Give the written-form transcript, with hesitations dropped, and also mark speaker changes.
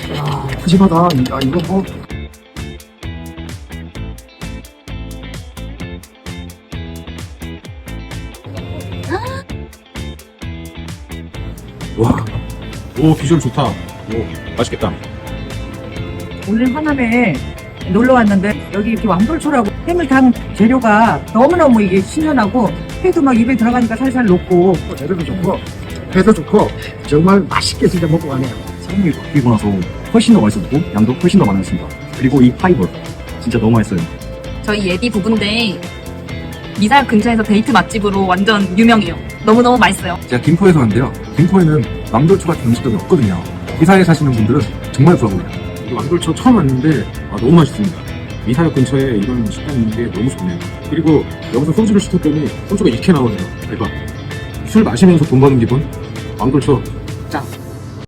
Speaker 1: 야, 푸짐하다. 야, 이거 뭐.
Speaker 2: 와, 오 비주얼 좋다. 오 맛있겠다.
Speaker 3: 오늘 하남에 놀러 왔는데 여기 이렇게 왕돌초라고 해물탕 재료가 너무너무 이게 신선하고 회도 막 입에 들어가니까 살살 녹고
Speaker 1: 재료도 좋고, 회도 좋고, 정말 맛있게 진짜 먹고 가네요.
Speaker 4: 사장님이 바뀌고 나서 훨씬 더 맛있었고 양도 훨씬 더 많았습니다. 그리고 이 파이볼 진짜 너무 맛있어요.
Speaker 5: 저희 예비 부부인데 미사역 근처에서 데이트 맛집으로 완전 유명해요. 너무너무 맛있어요.
Speaker 2: 제가 김포에서 왔는데요. 김포에는 왕돌초 같은 음식점이 없거든요. 이사에 사시는 분들은 정말 부러워요. 이 왕돌초 처음 왔는데 너무 맛있습니다. 미사역 근처에 이런 식당이 있는 게 너무 좋네요. 그리고 여기서 소주를 시켰더니 소주가 이렇게 나오네요. 대박. 술 마시면서 돈 버는 기분? 왕돌초